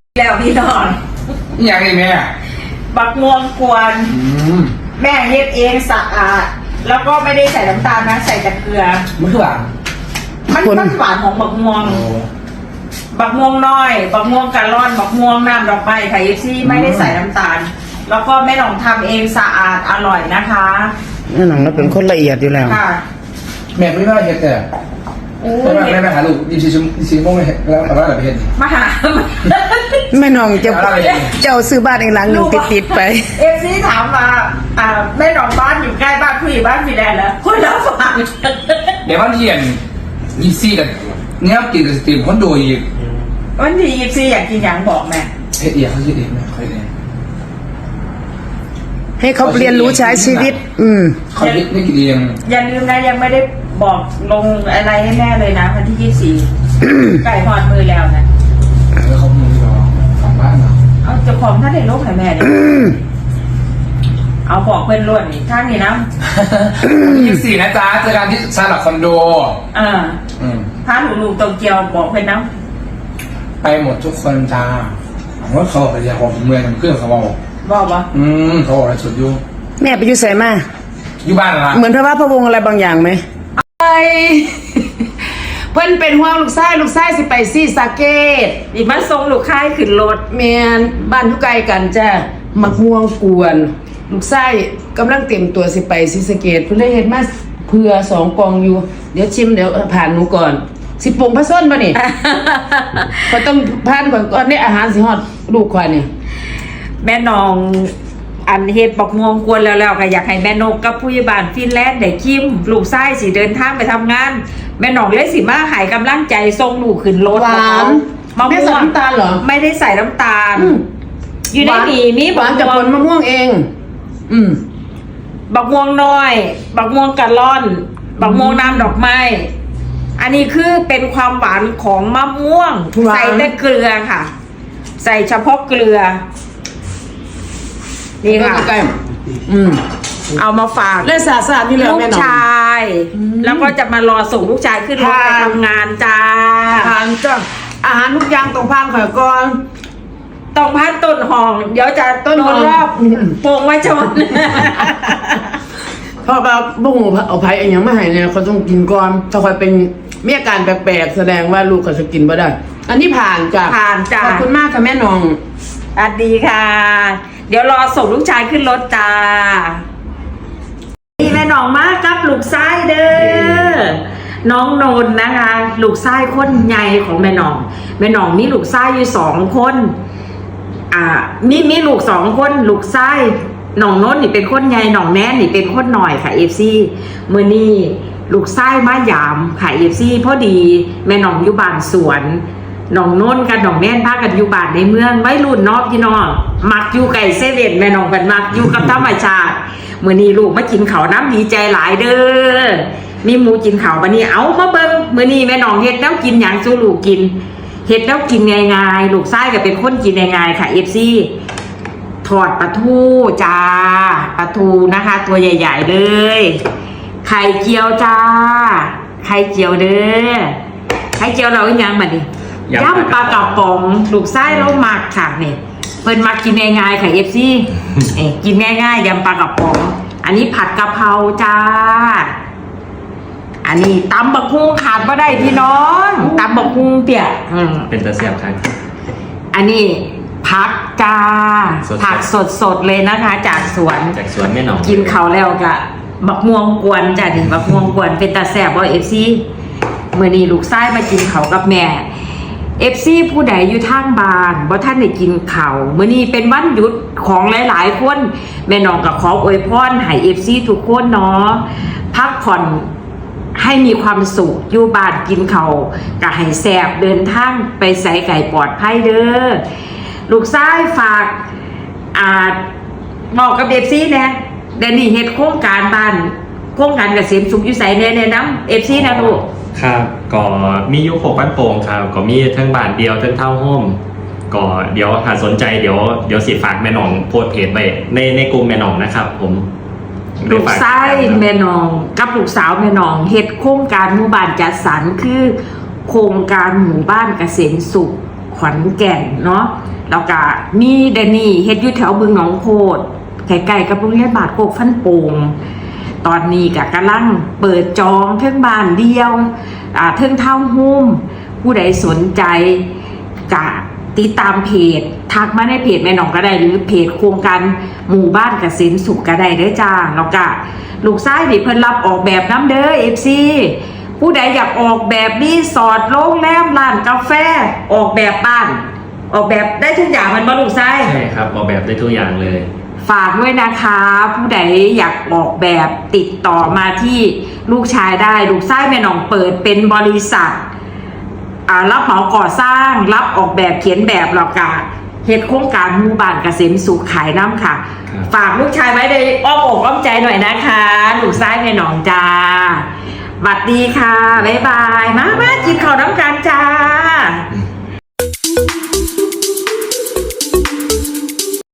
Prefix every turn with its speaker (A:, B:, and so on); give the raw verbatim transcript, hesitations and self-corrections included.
A: แล้วพี่นอน
B: อย่างไรแม่
A: บักม่วงกวนแม่เฮ็ดเองสะอาดแล้วก็ไม่ได้ใส่น้ำตาลนะใส่แต่เกลือ
B: มันคือหวาน
A: มันมันหวานของบักม่วงบักม่วงน้อยบักม่วงกะล่อนบักม่วงน้ำดอกไม้ไข่ซี่ไม่ได้ใส่น้ำตาลแล้วก็แม่หนองทำเองสะอาดอร่อยนะคะ
C: แม่หนองเราเป็นคนละเอียดอยู่แล้ว
A: ค่ะ
B: แม่ไม่ว่าเห็ดแต่แต่ว่าแม่ไปหาลูกยี่สิบชั่วโมงยี่สิบโมงแล้วแต่ว่าอะไรไปเห็ด
A: มาหา
C: แม่หนองจะเจ้าซื้อบ้านอีกหลังหนึ่งติดๆไป
A: เอฟซีถามมาอ่าแม่หนองบ้านอยู่ใกล้บ้านผู้ใหญ่บ้านพี่แดนแล้วคนละฝั่ง
B: เดี๋ยววันเย็นยี่สี่กันเนี้ยกินกับสตรีมคนดูอีก
A: วันที่ยี่สี่อยากกินอย่างบอกแม่
B: เฮ็ดเอียเขาคิดเองไหมเขาเอง
C: ให้เขาเรียนรู้ใช้ชีวิตอืม
B: เขาคิดไม่กินเอง
A: อย่าลืมนะยังไม่ได้บอกลงอะไรให้แม่เลยนะวันที่ยี่สี่ไก่หอดมือแล้วนะ
B: เออเขามือรอของบ้านเนาะ
A: เอาเจ้าของท่านได้ลงให้แม่ดิเอาบอกเพื่อนล้วนนี่ท่านนี่นะ
B: ยี่สี่นะจ๊ะเจอกันที่ชาร์ลอตคอนโด
A: อ่าพาลูกๆโตเกียวบอกเพื่อนนะ
B: ไปหมดทุกคนจ้าผมว่าเขาไปเรียกของเมืองเพื่อนเขาบอก
A: บอกว่า
B: อืมเขาบอกอะไรสุดยุ่ง
C: แม่ไปอยู่ใส่มา
B: อยู่บ้านละ
C: เหมือนพระว่าพระวงอะไรบางอย่างไหมไอเพื่อนเป็นห่วงลูกชายลูกชายสิไปซีสาเกต
A: อีบ้านทรงลูกค่ายขึ้นรถ
C: แมนบ้านทุกไกลกันจ้ะมักห่วงกวนลูกชายกำลังเตรียมตัวสิไปซีสาเกตเพื่อนเลยเห็นมาเผื่อสองกองอยู่เดี๋ยวชิมเดี๋ยวผ่านหนูก่อนสิปรุงผสมป่ะนี่ก็ต้องผ่านก่อนก่อนนี่อาหารสิฮอดลูกควายนี่
A: แม่น้องอันเฮ็ดบอกงวงกวนแล้วๆก็อยากให้แม่นกกับผู้ใหญ่บ้านฟินแลนด์ได้คิมลูกชายสิเดินทางไปทำงานแม่น้องเลยสิมาให้กำลังใจส่งลูกขึ้นรถ
C: หวาน
A: มะม่วง
C: ไม่ใส่น้ำตาลเหรอ
A: ไม่ได้ใส่น้ำตาลอยู่ในนี้มี
C: หวานจากผลมะม่วงเองอืม
A: บักม่วงน้อยบักม่วงกะล่อนบักม่วงน้ำดอกไม้อันนี้คือเป็นความหวานของมะม่วงใส่แต่เกลือค่ะใส่เฉพาะเกลือนี่ค่ะ
C: อืม
A: เอามาฝาก
C: เล่นสาสาที่
A: ลูกชายแล้วก็จะมารอส่งลูกชายขึ้นรถไปทำงานจ้า
C: ทานจ้าอาหารทุกอย่างตรงพานข่อยก่อน
A: ต้องพันต้นหอมเดี๋ยวจะต้นรอบโป่งไว้ชน
C: พอแบบบุ้งเอาไผ่เองยังไม่หายเนี่ยเขาต้องกินก่อนถ้าคอยเป็นมีอาการแปลกๆแสดงว่าลูกเขาจะกินไม่ได้อันนี้ผ่านจ้ะ
A: ผ่านจ้ะ
C: ขอบคุณมากค่ะแม่นอง
A: สวัสดีค่ะเดี๋ยวรอส่งลูกชายขึ้นรถจ้านี่แม่น้องมากครับลูกชายเด้อน้องนนท์นะคะลูกชายคนใหญ่ของแม่น้องแม่น้องมีลูกชายอยู่สองคนอ่ามีมีลูกสองคนลูกชายน้องนนท์นี่เป็นคนใหญ่น้องแนนนี่เป็นคนหน่อยค่ะเอฟซีเมื่อนี้ลูกชายมายามค่ะเอฟซีพอดีแม่น้องอยู่บ้านสวนน้องนนท์กับน้องแนนพากันอยู่บ้านในเมืองไว้รุ่นนอกพี่น้องมักอยู่ไก่เซเว่นแม่น้องเป็นมักอยู่กับธรรมชาติเมื่อนี้ลูกมากินข้าวน้ำดีใจหลายเด้อมีหมูกินข้าววันนี้เอามาเบิ้งเมื่อนี้แม่น้องเฮ็ดแล้วกินอย่างสู้ลูกกินเฮ็ดแล้วกินง่ายๆลูกชายก็เป็นคนกินง่ายๆค่ะเอฟซีทอดปลาทูจ้าปลาทูนะคะตัวใหญ่ๆเลยไข่เจียวจ้าไข่เจียวเด้อไข่เจียวเราอีกอย่างมาดิย่ำปลากระป๋องลูกไส้เราหมักค่ะเนี่ยเพิ่นมากินง่ายๆค่ะเอฟซีเอ๊กินง่ายๆยำปลากระป๋องอันนี้ผัดกะเพราจ้าอันนี้ตำบักหุ่งขาดไม่ได้พี่น้องตำบักหุ่งเปียก
D: เป็นตะเสียบครับ
A: อันนี้ผักจ้าผักสดๆเลยนะคะจากสวน
D: จากสวนแม่น้อง
A: กินเขาแล้วกะบักม่วงกวนจ้ะดิบักม่วงกวนเป็นตาแซ่บว่าเอฟซีเมื่อนี้ลูกชายมากินเขากับแม่เอฟซีผู้ใดอยู่ทางบ้านว่าท่านได้กินเขาเมื่อนี้เป็นวันหยุดของหลายๆคนแม่น้องกับขออวยพรให้เอฟซีทุกคนเนาะพักผ่อนให้มีความสุขอยู่บ้านกินเขากะให้แซ่บเดินทางไปใส่ไก่ปลอดภัยเด้อลูกชายฝากอ่าบอกกับเอฟซีเนี่ยเดนนี่เฮ็ดโครงการบ้านโครงการเกษมสุขอยู่ใส่แน่ๆน้ำเอฟซีนะลูก
D: ครับก็มียุคหกบ้านโป่งครับก็มีทั้งบ้านเดียวทั้งเท่าโฮมก็เดี๋ยวหากสนใจเดี๋ยวเดี๋ยวสิฝากแม่น้องโพสเพจไปในในกลุ่มแม่น้องนะครับผม
A: ลูกชายแม่น้องกับลูกสาวแม่น้องเฮ็ดโครงการหมู่บ้านจัดสรรคือโครงการหมู่บ้านเกษมสุขขอนแก่นเนาะแล้วก็มีเดนนี่เฮ็ดอยู่แถวบึงหนองโคดใกล้ๆกับโรงเรียนบาทโคกฟันโป่งตอนนี้ก็กำลังเปิดจองเทิงบ้านเดียวอ่าเทิงเท่าหุ้มผู้ใดสนใจกะติดตามเพจทักมาในเพจแม่หนองก็ได้หรือเพจโครงการหมู่บ้านเกษมสุขก็ได้เด้อจ้าแล้วก็ลูกชายนี่เพิ่นรับออกแบบน้ำเด้อ เอฟ ซี ผู้ใดอยากออกแบบรีสอร์ทโรงแรมร้านกาแฟออกแบบบ้านออกแบบได้ทุกอย่างมันบ่ลูกชาย
D: ใช่ครับออกแบบได้ทุกอย่างเลย
A: ฝากด้วยนะคะ ผู้ใดอยากออกแบบติดต่อมาที่ลูกชายได้ลูกชายแม่หนองเปิดเป็นบริษัทอ่ารับเหมาก่อสร้างรับออกแบบเขียนแบบหรอกะเฮ็ดโครงการหมู่บ้านเกษมสุขขายน้ำค่ะ
D: ครับ
A: ฝากลูกชายไว้ในอ้อมอกอ้อมใจหน่อยนะคะลูกชายแม่หนองจ้าบัดดีค่ะบ๊ายบายมามากินข้าวน้ำกันจ้า